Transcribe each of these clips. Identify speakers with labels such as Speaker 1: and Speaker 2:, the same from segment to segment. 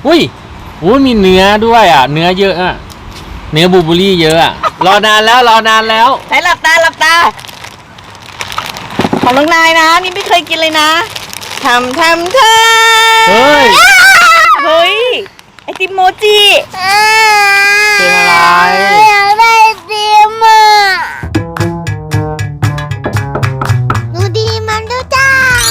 Speaker 1: อุ้ยมีเนื้อด้วยอ่ะเนื้อเยอะอ่ะเนื้อบลูเบอร์รี่เยอะอ่ะรอนานแล้ว
Speaker 2: ไหนหลับตาของน้องนายนะนี่ไม่เคยกินเลยนะทำ
Speaker 1: เฮ้ย
Speaker 2: เฮ้ยไอติมโมจิ
Speaker 1: เป็นอะไร
Speaker 3: อยากได้ไอติมอ่ะดูดีมันดูจ้า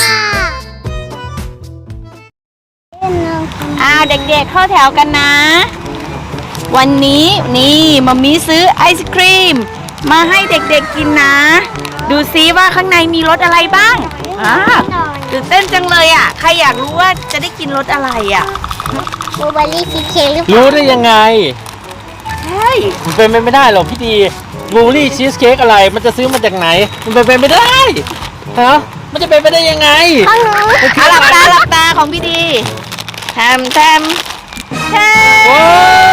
Speaker 2: เด็กๆเข้าแถวกันนะวันนี้นี่มัมมี่ซื้อไอศครีมมาให้เด็กๆกินนะดูซิว่าข้างในมีรสอะไรบ้างตื่นเต้นจังเลยอ่ะใครอยากรู้ว่าจะได้กินรสอะไรอ่ะ
Speaker 3: บลูเบอร์รี่ชีสเค้กหรือเปล่า
Speaker 1: รู้ได้ยังไง
Speaker 2: ใช่
Speaker 1: มันเป็นไปไม่ได้หรอกพี่ดีบลูเบอร์รี่ชีสเค้กอะไรมันจะซื้อมาจากไหนมันเป็นไปไม่ได้ฮะมันจะเป็นไปได้ยังไง
Speaker 3: ข้างหนู
Speaker 2: หลับตาของพี่ดีทำ
Speaker 1: โอ้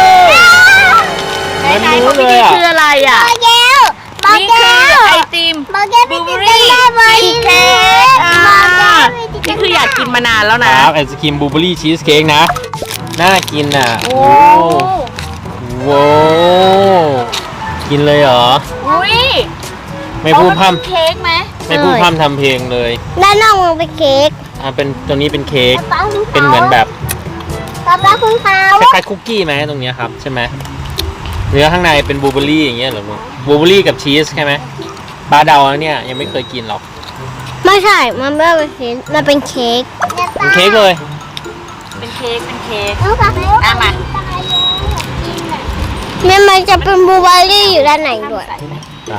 Speaker 2: ไหนของพี่ดีคืออะไรอ่ะ
Speaker 3: บอกแก้วบอก
Speaker 2: นี่
Speaker 3: แก้
Speaker 2: คือ
Speaker 3: ว
Speaker 2: ไอติม
Speaker 3: บอกแก้ว
Speaker 2: บลู
Speaker 3: ไม่
Speaker 2: เบอ
Speaker 3: ติ
Speaker 2: ร์
Speaker 3: ด
Speaker 2: รี่
Speaker 3: ได้ไหม
Speaker 2: ชีสเค้กนี่คืออยากกินมานานแล้ว
Speaker 1: ค
Speaker 2: นะ
Speaker 1: รับไอศครีมบลูเบอร์รี่ชีสเค้กนะน่ากินอ่ะ
Speaker 2: โอ้
Speaker 1: โว้กินเลยเหรอ
Speaker 2: อุ้ย
Speaker 1: ไม่พูดพร่
Speaker 2: เค้กไหม
Speaker 1: ำไม่พูดพร่ำทำเพลงเลย
Speaker 3: ด้านนอกมันเป็นเค้ก
Speaker 1: เป็นตัวนี้เป็นเค้ก
Speaker 3: ป๊าคุณเขา
Speaker 1: เป็นเหมือนแบบ
Speaker 3: ป๊าคุณเขา
Speaker 1: คล้ายๆคุกกี้ไหมตรงเนี้ยครับใช่ไหมเนื้อข้างในเป็นบลูเบอร์รี่อย่างเงี้ยเหรอลูกบลูเบอร์รี่กับชีสใช่ไหมปลาเดาแล้วเนี่ยยังไม่เคยกินหรอก
Speaker 3: ไม่ใช่ มันไม่เป็นเค้กมันเป็นเค้ก
Speaker 1: เป็นเค้กเลย
Speaker 2: เป็นเค้ก
Speaker 3: อ่ะ
Speaker 2: มา
Speaker 3: มันจะเป็นบลูเบอร์รี่อยู่ด้านในด้วย
Speaker 1: ไหน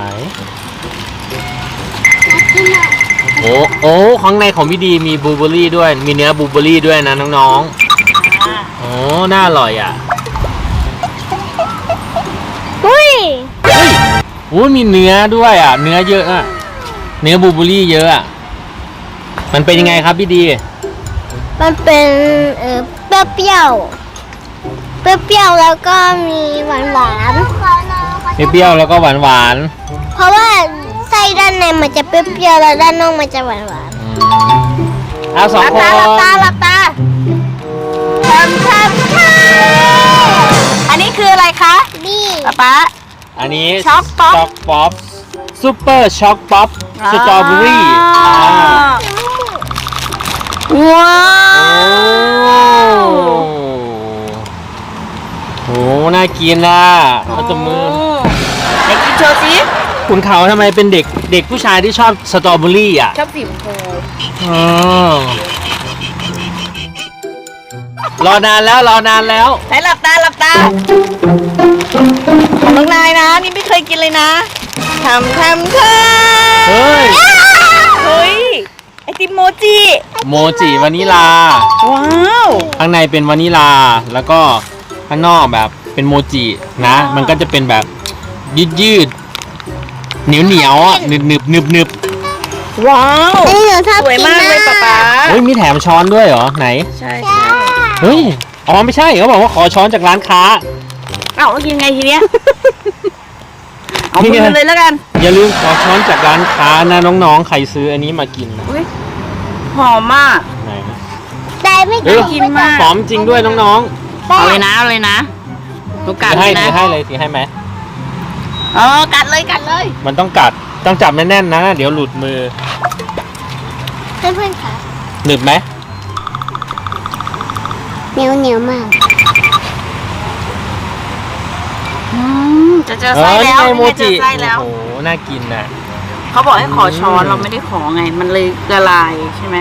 Speaker 1: โอ้ข้างในของพี่ดีมีบลูเบอร์รี่ด้วยมีเนื้อบลูเบอร์รี่ด้วยนะน้องๆโอ้น่าอร่อยอ่ะ
Speaker 3: อุ้ย
Speaker 1: มีเนื้อด้วยอ่ะเนื้อเยอะอ่ะเนื้อบลูเบอร์รี่เยอะอ่ะมันเป็นยังไงครับพี่ดี
Speaker 3: มันเป็นเปรี้ยวเปรี้ยวแล้วก็มีหวาน
Speaker 1: เปรี้ยวแล้วก็หวาน
Speaker 3: เพราะว่าไส้ด้านในมันจะเปรี้ยวแล้วด้านนอกมันจะหวาน
Speaker 1: ๆเอาสองคน
Speaker 2: หลับตาทำอันนี้คืออะไรคะ
Speaker 3: นี่
Speaker 2: ป๊า
Speaker 1: อันนี้
Speaker 2: ช็อกป๊อป
Speaker 1: ป๊อปซูเปอร์ช็อกป๊อปสตรอเบอรี่
Speaker 2: ว้า
Speaker 1: โอ้น่ากินน่ะเอาจมือ
Speaker 2: ไหนกินโชว์สิ
Speaker 1: ขุนเขาทำไมเป็นเด็กผู้ชายที่ชอบสตรอเบอรี่อ่ะ
Speaker 2: ชอบสีชมพู
Speaker 1: รอนานแล้ว
Speaker 2: ไหนหลับตาของน้องนายนะนี่ไม่เคยกินเลยนะทำ
Speaker 1: เฮ้ย
Speaker 2: ไอติมโมจิ
Speaker 1: โมจิวานิลา
Speaker 2: ว้าว
Speaker 1: ข้างในเป็นวานิลาแล้วก็ข้างนอกแบบเป็นโมจินะมันก็จะเป็นแบบยืดเหนียวอ่ะหนึบ
Speaker 2: ว้าว
Speaker 3: อันนี้หนูชอบ
Speaker 2: สวย
Speaker 3: กิน
Speaker 2: มากเลยป๊า
Speaker 1: เฮ้ยมีแถมช้อนด้วยเหรอไหน
Speaker 2: ใช่
Speaker 1: เฮ้ยอ๋อไม่ใช่เขาบอกว่าขอช้อนจากร้านค้า
Speaker 2: เอ้าแล้วกินไงทีเนี้ยเอามือเลยแล้วกัน
Speaker 1: อย่าลืมขอช้อนจากร้านค้านะน้องๆใครซื้ออันนี้มากินนะ
Speaker 2: อุ้ยหอมมาก
Speaker 1: ไหน
Speaker 3: แต่ไม่
Speaker 1: เฮ้ย
Speaker 2: กินมาก
Speaker 1: หอมจริงด้วยน้อง
Speaker 2: เอาเลยนะลูก
Speaker 1: ๆ
Speaker 2: กัด
Speaker 1: ถือ
Speaker 2: เล
Speaker 1: ให้
Speaker 2: ยนะ
Speaker 1: ถือให้ไหม
Speaker 2: กัดเลย
Speaker 1: มันต้องกัดต้องจับแน่นๆนะเดี๋ยวหลุดมือ
Speaker 3: เพื่อนๆค่ะ
Speaker 1: หนึบไหม
Speaker 3: เหนียวมาก
Speaker 2: จะเจอไส้แล้ว
Speaker 1: นี่ไงโมจิ
Speaker 2: เจอไส้แล้ว
Speaker 1: โอ้โหน่ากินน่ะ
Speaker 2: เขาบอกให้ขอช้อนเราไม่ได้ขอไง มันเลยละลายใช่ไหม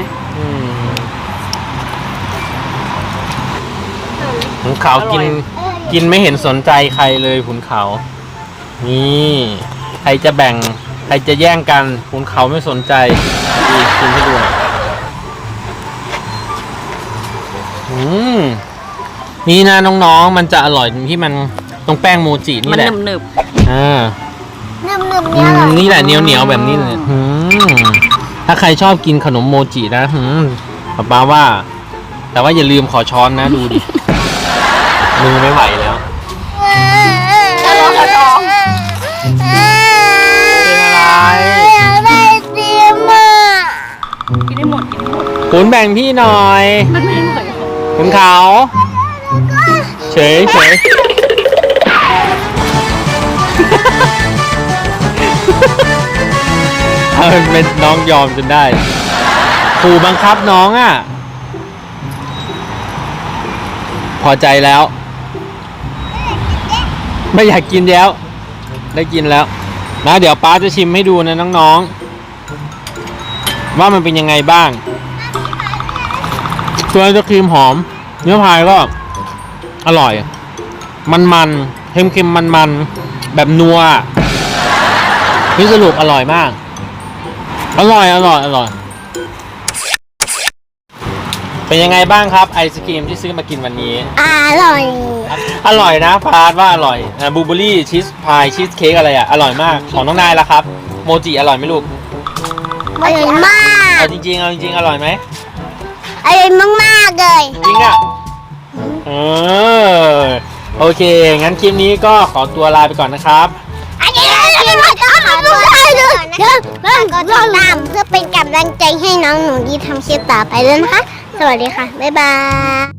Speaker 1: ขุนเขา
Speaker 2: อร่อย
Speaker 1: กินไม่เห็นสนใจใครเลยขุนเขานี่ใครจะแบ่งใครจะแย่งกันขุนเขาไม่สนใจนี่กินให้ดูหน่อยนี่นะน้องๆมันจะอร่อยตรงที่มันตรงแป้งโมจินี่
Speaker 2: มัน
Speaker 1: แหละ
Speaker 2: หนึบ
Speaker 3: นึบๆเนี่ยอร่อย
Speaker 1: นี่แหละเหนียวแบบนี้เลยถ้าใครชอบกินขนมโมจินะป้าว่า แต่ว่าอย่าลืมขอช้อนนะดูดิ มือไม่ไหวแล้ว
Speaker 2: ๆจะลองกันต่อ
Speaker 1: เป็นอะไร
Speaker 3: อยากได้ไอติมอ่ะ
Speaker 2: กินได้หมด
Speaker 1: ขุนแบ่งพี่หน่อย
Speaker 2: มันไม่อร่อย
Speaker 1: ขุนเขาเฉยเฉยเอาเป็นน้องยอมจนได้ครูบังคับน้องอ่ะ พอใจแล้ว ไม่อยากกินแล้ว ได้กินแล้วนะเดี๋ยวป้าจะชิมให้ดูนะน้องๆว่ามันเป็นยังไงบ้างตัวไอศครีมหอมเนื้อพายก็อร่อยมันๆเค็มๆมันๆแบบนัวนี่สรุปอร่อยมากอร่อยเป็นยังไงบ้างครับไอศครีมที่ซื้อมากินวันนี้
Speaker 3: อร่อย
Speaker 1: อร่อยนะพาร์ทว่าอร่อยบลูเบอรี่ชีสพายชีสเค้กอะไรอ่ะอร่อยมากของน้องนายล่ะครับโมจิอร่อยไหมลูก
Speaker 3: อร่อยมาก
Speaker 1: เอาจริงๆอร่อยไหม
Speaker 3: อร่อยมากๆเลย
Speaker 1: จริงอ่ะโอเคงั้นคลิปนี้ก็ขอตัวลาไปก่อนนะครับ
Speaker 3: อันนี้เราจะขอดูได้เลยก็ติดตามเพื่อเป็นกำลังใจให้น้องหนูดีทำคลิปต่อไปด้วยนะคะ สวัสดีค่ะ บ๊ายบาย